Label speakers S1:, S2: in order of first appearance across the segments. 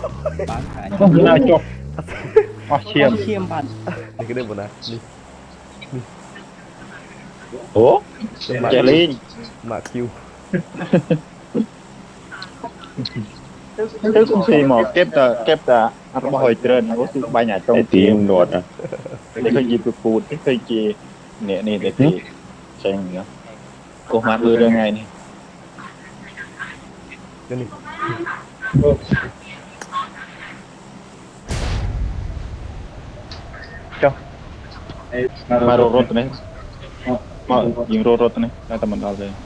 S1: bán khá
S2: không là chọc chiêm
S1: chiêm bạn
S3: นี่ก็ได้หมดนะนี่
S2: ủa chạy lên
S3: หมากคิว
S2: thứ cũng xì mò kép ta nó hồi trên nó cứ bay nhà trong tim đột à để khơi gì bụt cái khơi chi nè nè để thì xem nữa cô mặt đưa ra ngay này
S3: เดี๋ยวนี่
S2: cho mà rô rô này mà những rô rô này là tầm mình đào rồi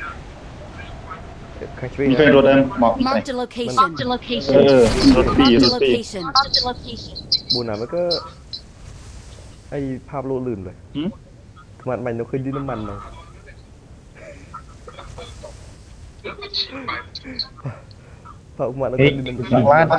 S3: ใครช่วย
S2: มีเคยรถได้หมอกไหน
S4: Marked a location. Marked a location.
S2: รถปี
S4: Marked
S2: ร
S4: a
S2: ถปี
S4: location. Marked a location.
S3: บูน่ะมันก็ไอภาพโลดลื่นเลยมันเราเคยดิ้นน้ำมันเลยภาพมันเราเคยดิ้นน้ำมัน
S2: หลังร้าน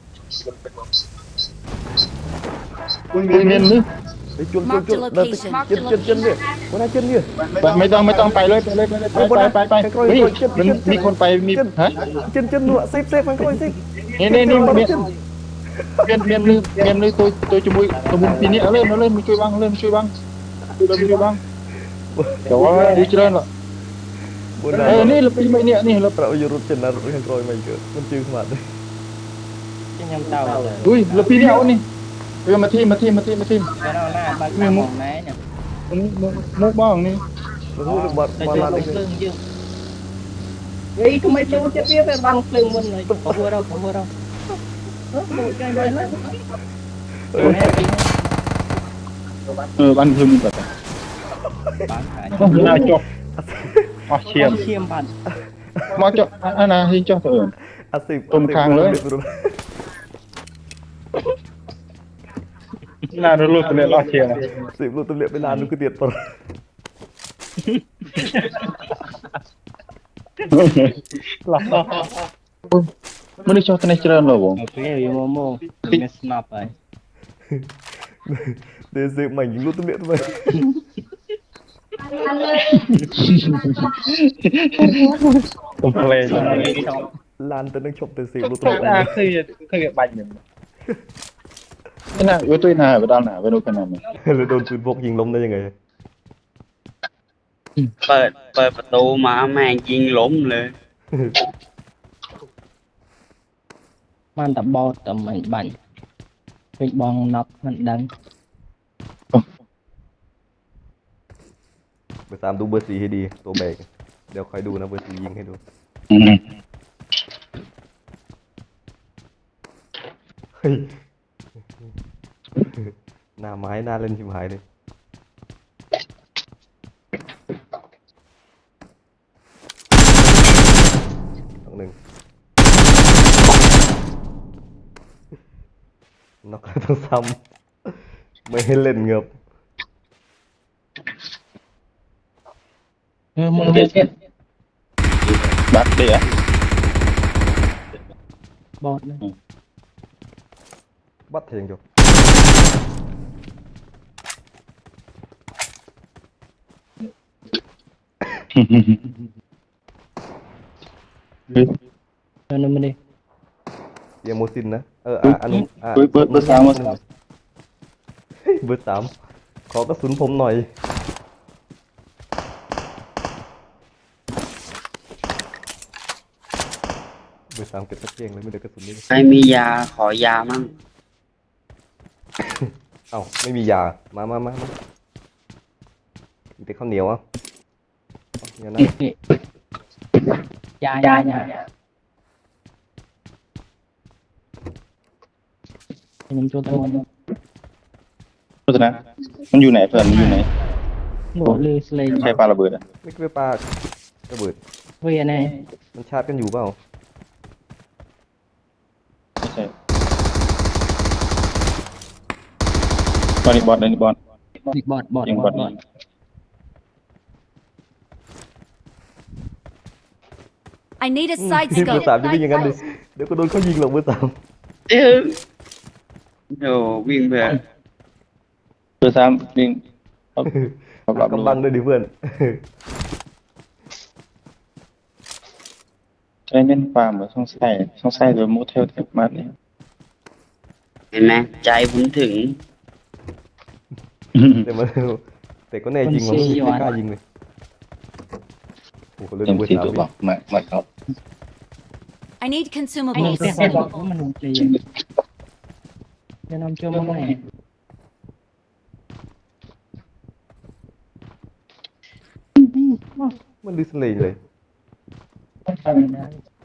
S2: เงินนึก
S3: ไอ้จุนจุนเดินจนเนี่ยวันนั้นจนเนี่ย
S2: ไม่ต้องไปเลยไปเฮ้ยมันมีคนไปมีฮะ
S3: จนหนวดเซฟมันก็เซฟ
S2: นี่เมียนเลยตัวจมูกปีนี้เล่นมาช่วยบ้างเดี๋ยวว่าดีเจริญหรอ
S3: บูน่ะ
S2: นี่เราไปไม่เนี่ยนี่เรา
S3: เราอยู่รถจนนะรถแข่งรอยไม่เกิดมันจืดขนาดเลย
S1: cái nhâm tàu rồi
S2: อุ้ยเราปีนี้เอานี่มาทีม
S1: cái nào là bán khá mỏng né nhỉ
S2: มุกบ้างนี่
S3: มันพูดบอล
S1: tôi
S3: บอล
S1: chơi
S3: ลา
S1: bóng
S3: เลย
S1: lưng chứ ấy không mấy chú chết biết về băng lưng mình rồi có vừa đâu một cái đây nó
S2: บ้านคือมึงแบบ
S1: bán khá
S2: ต้องหน้าจบเชียม
S1: chiêm bạn
S2: มาจบอันน่ะที่เจ้าเถิด
S3: อาสิบ
S2: ตรงคางเลย น่ารู้ตัวเนี้ยรอเชียร์นะ
S3: สิบลูกตัวเล็กไปนานลูกก็เตียดปะ
S2: หลับไม่ได้ชอบตัวนี้เจริญหรอวง
S1: một cái gì mà mô mình snap rồi
S3: เดี๋ยวสิบใหม่ยิงลูกตัวเล็กทำไม
S2: ผมเพลง
S3: ลานแต่นึกชมแต่สิบลูกตัวเล็ก
S2: เคยบันอย่างนี่นะอยู่ตัวหน้าไปด้านหน้าไปดูกันหน่อย
S3: แล้วโดนปืนพกยิงล้มได้ยังไง
S5: เปิดประตูมาแม่งยิงล้มเลย
S1: มันtập bo tầm mình bảnh cái bong nắp mình đánh
S3: ไปตามดูเบอร์สี่ให้ดีตัวแบกเดี๋ยวคอยดูนะเบอร์สี่ยิงให้ดูเฮ้ยหน้าไม้หน้าเล่นชิมหายเลยต้องหนึ่งนอกต้องซ้ำไม่ให้เล่นเงือบ
S1: mong biết
S2: bắt đi á
S1: bọt này
S3: บัดเทียงจบ
S1: cho nên mình đi
S3: เดี๋ยวโมซินนะอันนี้
S2: bữa sáng
S3: เบอร์สามขอกระสุนผมหน่อยเบอร์สามเก็บตะเกียงเลยไม่ได้กระสุนเลย
S5: ใครมียาขอยามั่ง
S3: เอ้าไม่มียามามีแต่ข้าวเหนียวอ่ะเนี่ยนะ
S1: dạ mình cho tao ăn
S2: รู้สึกนะมันอยู่ไหนเพื่อนมันอยู่ไหน
S1: ngủ lê lên
S2: ใช่ปลาระเบิดอ่ะ
S3: ไม่เคยปลาระเบิด
S1: về này
S3: มันชาร์จกันอยู่เปล่า
S2: ไม่ใช่บอลนี่บอลนี่บอล
S1: bọt
S2: ยิงบอล
S4: I need a side
S3: เบอร์
S4: scope.
S3: สามจะวิ่งอย่างนั้นดิเดี๋ยวก็โดนเขายิงหรอกเบอร์สาม
S5: เอ้ยโอ้วิ่งไป
S2: เบอร์สามยิงรับ
S3: กำลังเลยดิเพื่อน
S2: ใช้เน้นฟาร์มหรือช่องไส้โดยมูเทลเทปมาเนี่ย
S5: เห็นไหมใจผมถึง
S3: แต่มันแต่ก็แน่จริงว่ะไม่กล้ายิงเลยโอ้โหเล่น
S2: ยัง
S3: เบอร์
S2: สี่
S3: สาม
S2: ตัว
S3: ดิ
S2: บอกมาครับ
S4: I need
S1: ไอ้
S4: consumables.
S1: แค่บอกว่ามันลงใจจะนำเชื่อมาไหน
S3: มันดิสเลย์เลย
S1: ต้องทำนะ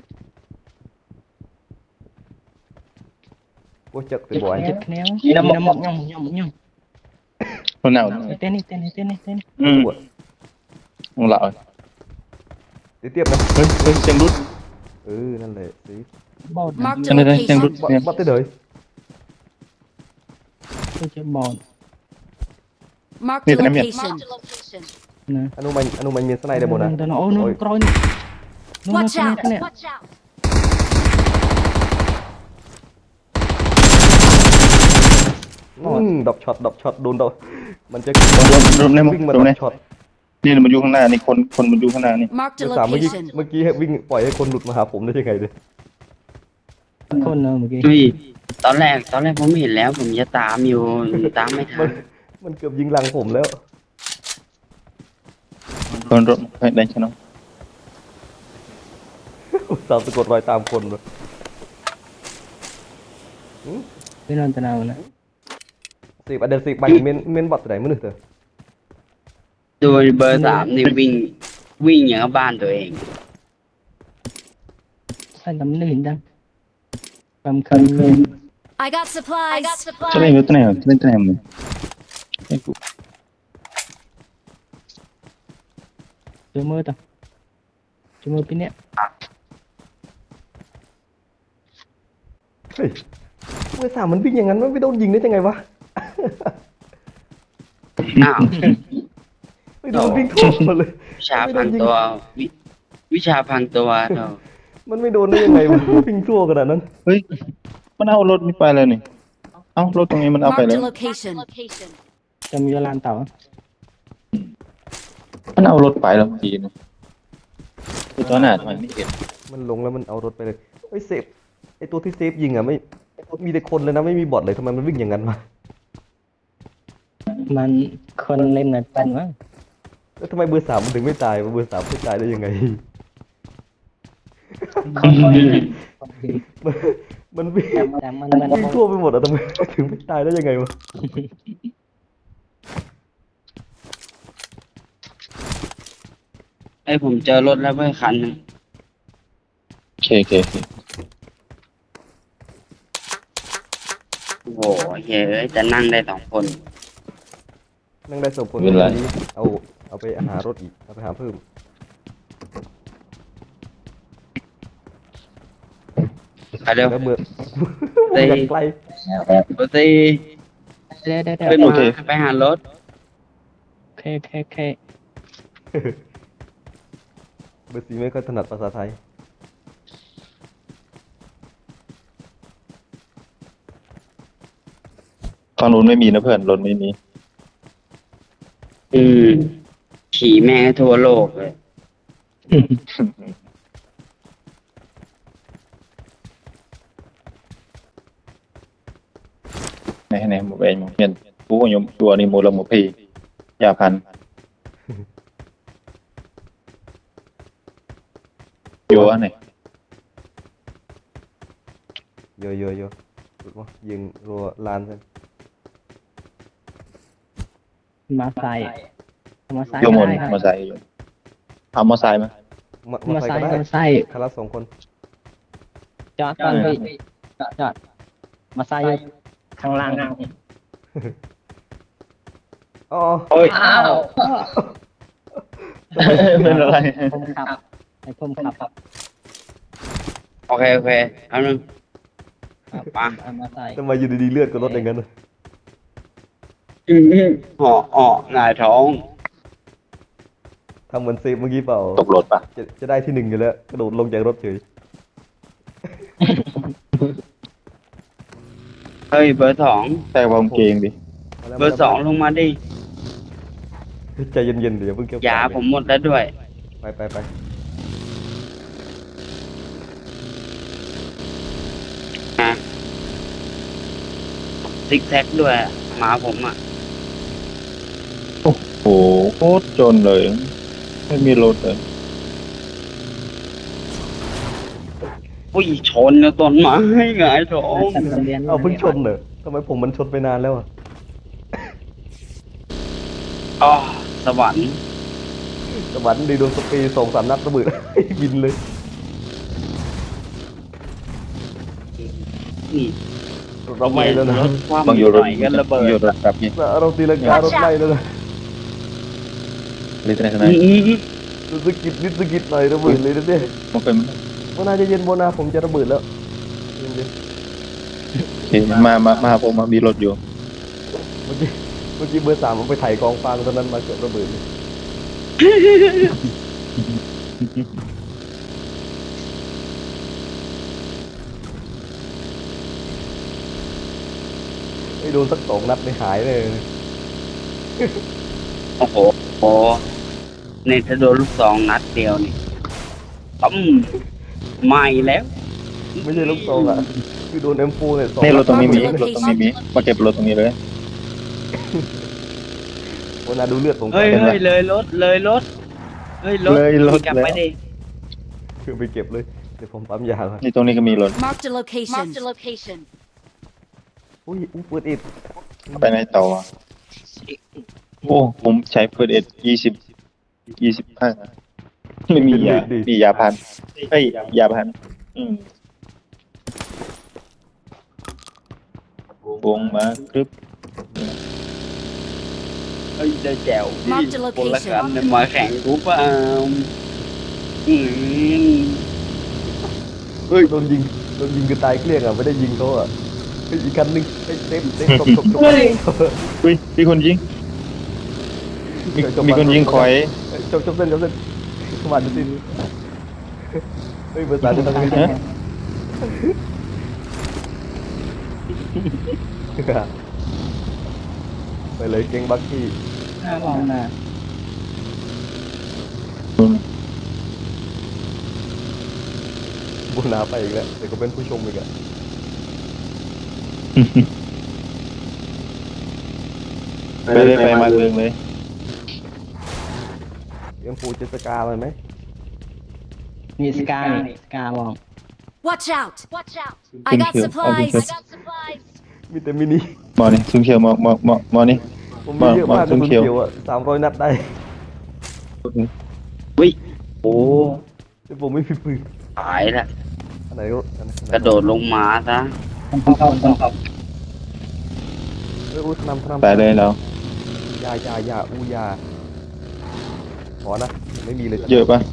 S3: โอ้จักแต่บ่อย
S1: เจ็บแนวน้ำหมกย่อง
S2: คนเอา
S1: เต้นนี่
S2: มึงเหล่า
S3: เดี๋ยวเทียบนะ
S2: เฮ้ยเสียงรุด
S3: นั่นแหละสิ
S1: บอด
S4: Marked
S2: จั
S4: a
S2: งเลยเสียงรุด
S4: location.
S2: เนี่ย
S3: บัดได้เลย
S1: ก็จะบอด
S4: Marked a location.
S1: นะ
S3: อนุมันมีสไนได้หมดนะ
S1: แต่โอ้นู่นกรอยนี่นู่น
S4: Watch
S1: เนี่ย
S4: out! Watch out!
S3: ดอกช็อตโดนดอกมันจะ
S2: รวมในมุม
S3: วิ่งมา
S2: ตรง
S3: ด
S2: นี้
S3: อกช็อต
S2: นี่มันอยู่ข้างหน้านี่คนมันอยู่ข้างหน้านี่
S4: Marked
S3: เดี๋
S4: a
S3: ยวสามเมื่อกี้
S4: location.
S3: วิ่งปล่อยให้คนหลุดมาหาผมได้ยังไงเลย
S1: คนเนอะเมื่อกี้
S5: เฮ้ยตอนแรกผมเห็นแล้ว ผมจะตามอยู่ตามไม่ทั
S3: มันเกือบยิงหลังผมแล้ว
S2: คนรถได้ชนะ
S3: สาวสะกดรอยตามคนเลย
S1: ไม่นอนตะนาวนะ
S3: สิบอันเดอร์สิบใบเมนบอทไหนมื้อนึงเถอะ
S5: โดยเบอร์สามนี่วิ่งอย่างกับบ้านตัวเอง
S1: ใส่ตำหนึ่งจังความคันเลย
S4: I got supplies.
S2: จะเล่นตัวไหนเล่นตัวไหนมึง
S1: เจอมือต่อเจอมือปีเนี้ย
S3: เฮ้ยเมื่อสามมันวิ่งอย่างนั้นมันไม่โดนยิงได้ยังไงวะ
S5: อ้าว
S3: ไม่โดนวิ่งทั่วมาเลย
S5: วิชาพังตัววิชาพังตัวเถอะ
S3: มันไม่โดนได้ยังไงวะวิ่งทั่วขนาดนั้น
S2: เฮ้ยมันเอารถนี่ไปเลยนี่เอารถตรงนี้มันเอาไป
S4: Marked
S2: แล้
S4: a
S2: ว
S4: location.
S1: จะมีลานเต่า
S2: มันเอารถไปแล้วทีนึงคือตอนหน้าทำไมไม่เห็น
S3: มันลงแล้วมันเอารถไปเลยไอ้ยเซฟไอ้ตัวที่เซฟยิงอ่ะไม่มีแต่คนเลยนะไม่มีบอทเลยทำไมมันวิ่งอย่างนั้นวะ
S1: มันคนเล่นน่ะเป็นวะ
S3: แล้วทำไมเบอร์สามมันถึงไม่ตายวะเบอร์สามไม่ตายได้ยังไง มันวิ่ง
S1: แต่มัน
S3: วิ่งทั่วไปหมดอะทำไมถึงไม่ตายได้ยังไงวะ
S5: ไอ้ผมเจอรถแล้วเว้ยคันหนึง
S2: โอเค
S5: โอ้โหเฮ้ยจะนั่งได้2 คน
S3: นั่งได้สมผลเอาไปหารถอีกเอาไปหาเพิ่ม
S5: ไปเร็ว
S3: แล้วเมื่อ
S5: เฮ้ย
S3: อย่างไกล
S5: ปกติ
S1: ได้
S5: ขึ้นมาไปหารถ
S1: โอเค
S3: เบอร์สี่ไม่ค่อยถนัดภาษาไทย
S2: ฝั่งนู้นไม่มีนะเพื่อนรถไม่มี
S5: อืมขี่แม่งให้ทั่วโลกเลย
S2: ไหนหมดเองหมดเงินผู้ยมตัวนี่มูลหมดพียาพันอยู่อันไหน
S3: เยอะถูกปะยิงรัวลานเส้น
S1: มาใส่
S2: โยมนมาใส่อยู่เอามาใส่ไหม
S3: มาใส่ก็ได้
S1: มาใส่
S3: คารา2 คน
S1: จอดก่อนพี่จอดมาใส่ข้างล่าง
S3: อ๋อ
S2: โอ้ย
S1: อ้าว
S2: เป็นอะไร
S1: ผมขับไอ้ผมขับ
S5: โอเคเอาหนึ่งปัง
S1: เอามาใส่
S3: ทำไมอยู่ดีๆเลือดก็ลดอย่างนั้นน่ะ
S5: ห่อหงายท้อง
S3: ทำเหมือนเซฟเมื่อกี้เปล่า
S2: ตกรถปะ
S3: จะได้ที่ 1อยู่แล้วกระโดดลงจากรถเฉย
S5: เฮ้ยเบอร์
S2: แต่วางเกงดิ
S5: 2เบอร์ 2ลงมาดิ
S3: ใจเย็นๆเดี๋ยวเพิ่งเกี่ยวย
S5: าผมหมดแล้วด้วย
S3: ไป
S5: ฮะซิกแซกด้วยอะหมาผมอ่ะ
S2: โอ้โหโคตรจนเลย ไม่มีรถเลย
S5: อุ้ยชนกับต้นไม้หงายท้อง
S3: เอาเพิ่งชนเหรอทำไมผมมันชนไปนานแล้วอ่ะ
S5: อ๋อสวรรค์
S3: สวรรค์ดีโดนสเปรย์2-3 นัดระเบิด บินเลย
S5: นี่
S3: เราไหม้แล้วนะ
S5: รถคว่ำ
S2: บางอ
S5: อยู่ ยู่
S2: ร
S5: ห
S2: ถ
S5: น่อยก็ระเบิด
S2: อยู่รถครับนี่
S3: เราตีลังการถไหม้แล้วนะ
S2: เลยที่ไหนที่ไหน
S3: รู้สึกกิดนิดสกิดหน่อยระเบิดเลยนะเนี่ย
S2: มันเป็น
S3: โบนาจะเย็นโบนาผมจะระเบิดแล้วเย็น
S2: เห็นมาหาผมมามีรถอยู่
S3: ๆเมื่อกี้เบอร์ 3ผมไปไถ่กองฟางตอนนั้นมาเกิดระเบิดเลยไอ้โดนสัก2 นัดไม่หายเลย
S5: โอ้โหโอ้ในถ้าโดนลูกซองนัดเดียวนี่ต้มไหม้แล้ว
S3: ไม่ใช่ลูกโซ่อ่ะคือโดน M4 เนี่ย2
S2: นี่รถตรงนี้มี
S4: Mark the
S2: รถตรงนี้มี มาเก็บรถตรงนี้เลย
S3: โบนาดูเลือดผม
S5: เฮ้ย
S2: เห็นไหม
S5: เฮ้ยเลยรถเลยรถเฮ้ยรถ
S2: เลยรถ
S5: กลับ
S2: แล้ว
S5: ไปดิ
S3: คือไปเก็บเลยเดี๋ยวผมปั๊มยาก่อน
S2: นี่ตรงนี้ก็มีรถ
S4: Marked a location. Marked a location.
S3: อุ้ยเปิดอิด
S2: ไปไหนต่ออ่ะโอ้ ผมใช้เฟิร์สเอ็ด25ไม่มียา มียาพันเอ้ยยาพันวงมาครึบ
S5: เฮ้ยได้แจ๋ว
S4: Marked a
S5: คนละ
S4: location.
S5: กันเนี่ยมาแข่งกูเปล่าอืม
S3: เฮ้ยโดนยิงกันตายเกลี้ยงอ่ะไม่ได้ยิงเขาอ่ะเฮ้ยอีกคันนึงเฮ้ยเต็มตบ
S2: เฮ้ยมีคนยิง มีคนยิงคอย
S3: จบเส้นสวัสดีสิเฮ้ยเบอร์ 3จะทำยังไง
S2: ฮะ
S3: ไปเลยเก่งบักกี้
S5: น่าลองนะ
S3: บุญนาไปอีกแล้วเดี๋ยวก็เป็นผู้ชมอีกอ่ะ
S2: ไปเลยไปมาเรื่องเลย
S3: ยังปูเจสกาเลยไหม
S5: มีสกาเนี่ยสกามอง
S4: Watch out. Watch out. I
S2: Thank
S4: got
S2: you.
S4: supplies.
S2: Okay.
S4: I got supplies.
S3: มีแต่มินิ
S2: มอนี่ซุ่มเขียวมอนี่
S3: ผมมีเยอะมาก
S2: มา
S3: เลยคุณ
S2: เขียว
S3: เขียวอ่ะ300 นัดได้
S5: วิโอ้
S3: แต่ผมไม่มีปืน
S5: ตายละ
S3: อันไหนก็อันไหน
S5: กระโดดลงมาซะ
S3: เฮ้ยอุ้ยทำ
S2: ไปเลยเรา
S3: ยาอู้ยาขอนะไม่มีเลย
S2: เยอะปะ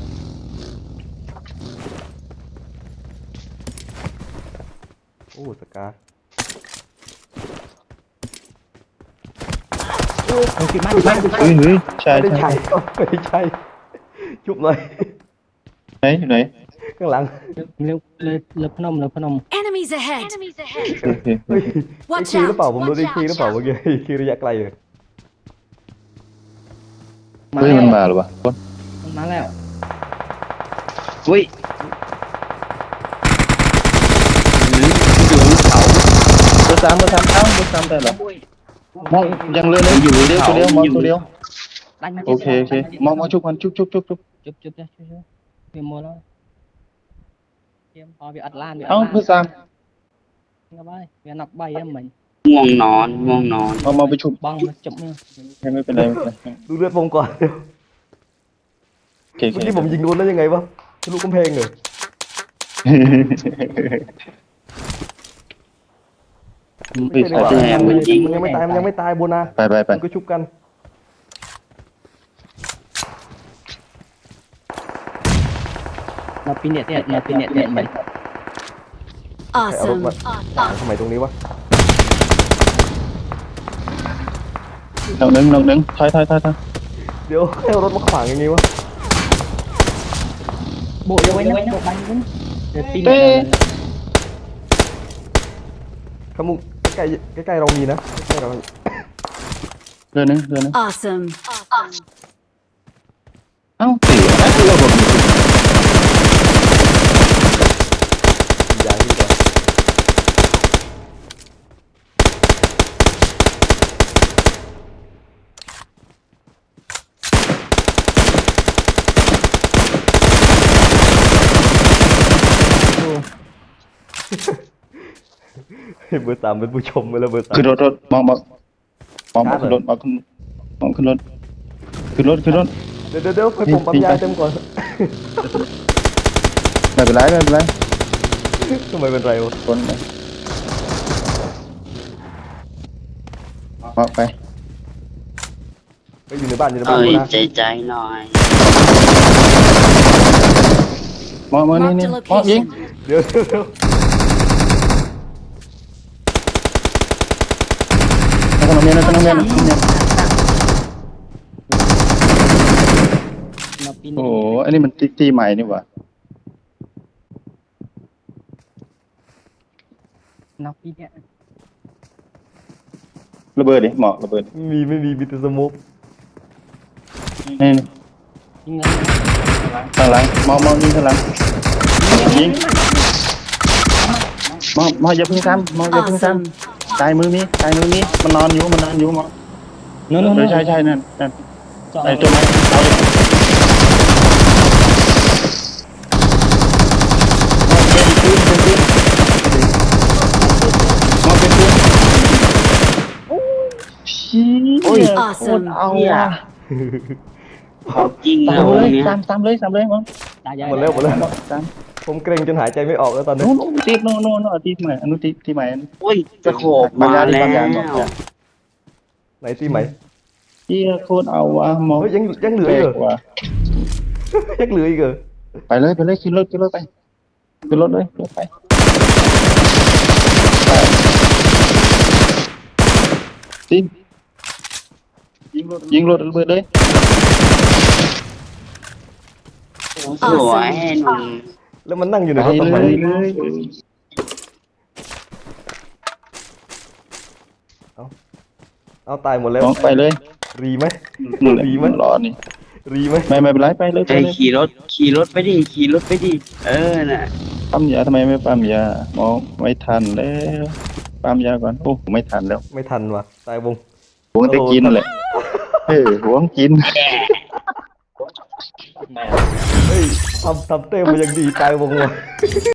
S3: โอ้สกา
S2: เฮ้ยใช่
S3: ไม่ได้
S2: ใช่
S3: ใช่ไม่ได้ใช่ชุบหน่อย
S2: ไหนอยู่ไหน
S3: ข้างหลัง
S4: Enemies ahead. Enemies ahead.
S2: โอเค
S3: เฮ้ยไอ้
S4: Watch
S3: คีหรือเปล่า
S4: out.
S3: ผมโดนไอ้คีหรือเปล่าเมื่อกี้ไอ้คีระยะไกลเลย
S2: เฮ้ยมันมาหรือวะคน
S5: มาแล้ววิอยู่บนเขา
S2: เบอร์สามเอ้าเบอร์สามได้เหรอมองยังเลยอยู่เดียวตัวเดียวมองตัวเดียวโอเคมองชุบมันชุบ
S6: chụp ra vì mua nó em ho bị ắt lan bị
S2: เอ้าเบอร์สาม
S6: nghe bay vì nọc bay em mình
S5: ง่วงนอนง่วงนอน
S2: มาไปชุบ
S6: băng nó chụp nha
S2: ไม่เป็นไร
S3: ดูเลือดผมก่อน
S2: โอเค
S3: เมื่อกี้ผมยิงโดนได้ยังไงวะทะลุกำแพงเลย ไม่ใช่ดีกว่ามันยังไม่ตายโบนา
S2: ไป
S3: มันก็ชุบกัน
S6: nó pin điện mình
S3: ใครเอารถ
S4: Awesome.
S3: มาทำไมตรงนี้วะ
S2: น้องหนึ่งถอย
S3: เดี๋ยวให้เอารถมาขวางอย่างงี้วะ
S6: bộ vô ấy nó bộ bánh cũng pin
S2: Tê.
S6: điện
S3: ขมุกใกล้เรามีนะใกล้เรา
S2: เรือนึง
S4: Awesome.
S2: เอ้าตีนะคือเราบอก
S3: ยางนี่ก่อนให้เบอร์สามเป็นผู้ชมไปแล้วเบอร์สาม
S2: ขึ้นรถมองขึ้นรถมองขึ้นรถขึ้นรถ
S3: เดี๋ยวให้ผมปั๊มยาเต็มก่อน
S2: ไม่เป็นไร
S3: ทำไมเป็นไรวะ
S2: คนไปไป
S3: ไปอยู่ในบ้าน
S5: เอ้
S3: กู
S5: ย
S3: นะ
S5: ใจหน่อย
S2: มองนี่
S4: Marked a
S2: มองยิง
S4: location.
S3: เดี๋ยว
S2: ขนมเมียน
S6: นับปี
S2: โอ้
S6: นี้
S2: โหอันนี้มันตีใหม่นี่หว่า
S6: นับปีเนี่ย
S2: ระเบิดดิเหมาะระเบิด
S3: ไม่มีแต่สโมุก
S2: นี่
S6: ยิงเงิน
S2: ข้างหลังมองยิงข้างหลังยิงมองอย่าเพิ่งซ้ำอย่าเพิ่งซ้
S4: Awesome.
S2: ำตายมือมีมันนอนอยู่มองใช่นั่น
S6: จอด
S2: ไอ้ตัวไม้เอาเลยมองเป็นปืนโอ้ย
S4: Awesome.
S2: เอาว่ะ
S5: เขาจริง
S2: ตา
S5: นะ
S2: ม
S5: ว
S2: เลย
S5: เนี่ย
S2: ตามเลยมอง
S6: ตายใหญ่
S3: หมดแล้ว
S2: ตาม
S3: ผมเกรงจนหายใจไม่ออกแล้วตอนนี้
S2: โน่ตีโน่ตีใหม่อนุตีใหม่
S5: โอ้ยจะโขบมาแล้ว
S3: ไหนที่ไหน
S2: ที่โคตรเอาว่ะมอง
S3: เฮ้ยยังเหลือ
S2: แปล
S3: อีก
S2: ก
S3: เหรอ
S2: ว่ะ
S3: ยังเหลืออีกเหรอ
S2: ไปเลยขึ้นรถไปขึ้นรถเลยไปตียิงรถระเบิดเลย
S5: สวยหนุ่ม
S3: แล้วมันนั่งอยู่ใน
S2: ไป
S3: รถทำไม
S2: เลย
S3: เอาตายหมดแล้ว
S2: มองไปเลย
S3: รีไหม
S2: ดีมันรอนี่
S3: รีไหม
S2: ไม่เป็นไรไปเลย
S5: ไอ้ขี่รถไปดิเออน่ะ
S2: ปั๊มยาทำไมไม่ปั๊มยามองไม่ทันแล้วปั๊มยาก่อนโอ้ไม่ทันแล้ว
S3: ไม่ทันว่ะตายวง
S2: หวงจะกินแหละหวงกิน
S3: เฮ้ยทำเต้มาอย่างดีตายวงว่ะ